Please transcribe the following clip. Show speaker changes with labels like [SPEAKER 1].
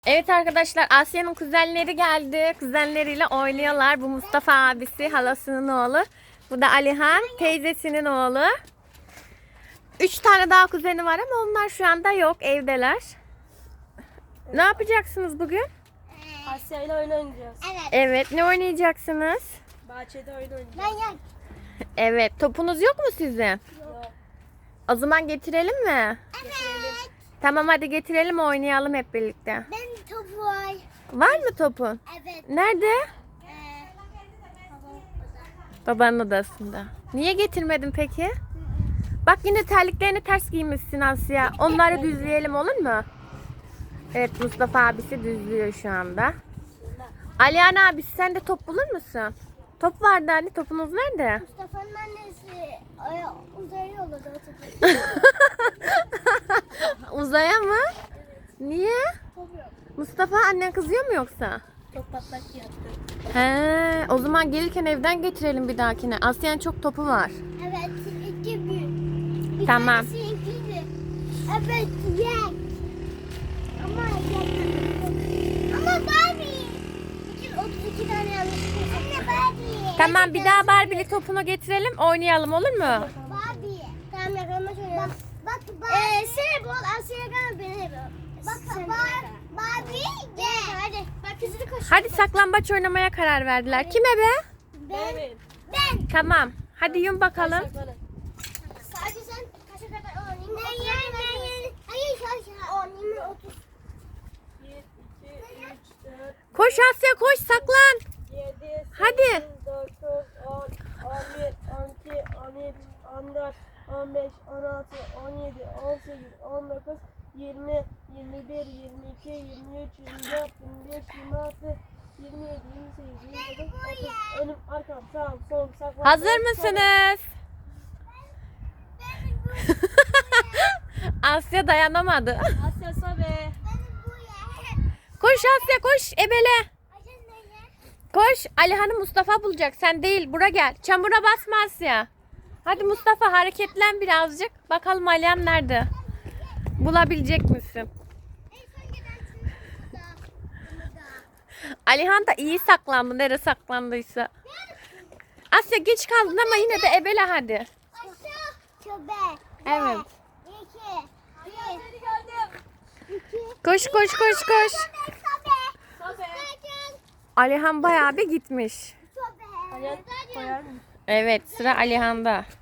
[SPEAKER 1] Evet arkadaşlar, Asya'nın kuzenleri geldi. Kuzenleriyle oynuyorlar. Bu Mustafa abisi, halasının oğlu. Bu da Alihan, teyzesinin oğlu. 3 tane daha kuzeni var ama onlar şu anda yok, evdeler. Ne yapacaksınız bugün?
[SPEAKER 2] Asya ile oyun oynayacağız.
[SPEAKER 1] Evet, ne oynayacaksınız?
[SPEAKER 2] Bahçede oyun oynayacağız.
[SPEAKER 1] Evet, topunuz yok mu sizin?
[SPEAKER 2] Yok.
[SPEAKER 1] O zaman getirelim mi?
[SPEAKER 2] Getirelim.
[SPEAKER 1] Tamam, hadi getirelim, oynayalım hep birlikte.
[SPEAKER 3] Ben topu var.
[SPEAKER 1] Var mı topun?
[SPEAKER 3] Evet.
[SPEAKER 1] Nerede? Babanın odasında. Niye getirmedin peki? Bak, yine terliklerini ters giymişsin Asya. Onları düzleyelim, olur mu? Evet, Mustafa abisi düzlüyor şu anda. Alihan abisi, sen de top bulur musun? Top vardı hani, topunuz nerede?
[SPEAKER 3] Mustafa'nın annesi uzaya yolladı o topu.
[SPEAKER 1] Uzaya mı? Niye?
[SPEAKER 3] Topu yok.
[SPEAKER 1] Mustafa, annen kızıyor mu yoksa?
[SPEAKER 2] Top patlak yaptı.
[SPEAKER 1] He, o zaman gelirken evden getirelim bir dahakine. Asya'nın çok topu var.
[SPEAKER 3] Evet. İki bir.
[SPEAKER 1] Tamam.
[SPEAKER 3] Tanesi ikiydi. Evet. Yak. Ama Barbie. 32 tane yanlış. Anne Barbie.
[SPEAKER 1] Tamam, bir daha Barbie'li topunu getirelim, oynayalım, olur mu?
[SPEAKER 3] Barbie. Tamam, yakalama şöyle. Bak sen bol Asya'ya gel beni bol. Bak Barbie gel. Hadi. Bak hızlı koş.
[SPEAKER 1] Hadi saklambaç oynamaya karar verdiler. Kime be?
[SPEAKER 3] Ben.
[SPEAKER 1] Tamam. Hadi yum bakalım.
[SPEAKER 3] Sadece sen kaça kadar oynayayım? Ben. Hayır şaşa. Oynayayım 30.
[SPEAKER 2] 1, 2, 3, 4,
[SPEAKER 1] Koş Asya, koş, saklan.
[SPEAKER 2] 7,
[SPEAKER 1] Hadi.
[SPEAKER 2] 9, 10, 11, 12, 13, 14, 15, 16, 17, 18, 19, 20, 21, 22, 23, 24, 25, 26, 27, 28, 29, 30. Önüm, arkam, sağım, solum, saklan.
[SPEAKER 1] Hazır mısınız? Asya dayanamadı.
[SPEAKER 2] Asya sobe.
[SPEAKER 1] Koş Asya, koş, ebele. Koş, Alihan'ı Mustafa bulacak, sen değil. Bura gel. Çamura basma Asya. Hadi Mustafa, hareketlen birazcık. Bakalım Alihan nerede? Bulabilecek misin? Alihan da iyi saklandı, nereye saklandıysa. Asya, geç kaldın ama yine de ebele hadi. Evet. Koş koş koş koş.
[SPEAKER 2] Sobe.
[SPEAKER 1] Alihan bayağı bir gitmiş.
[SPEAKER 2] Ayak koyar mısın?
[SPEAKER 1] Evet, sıra Alihan'da.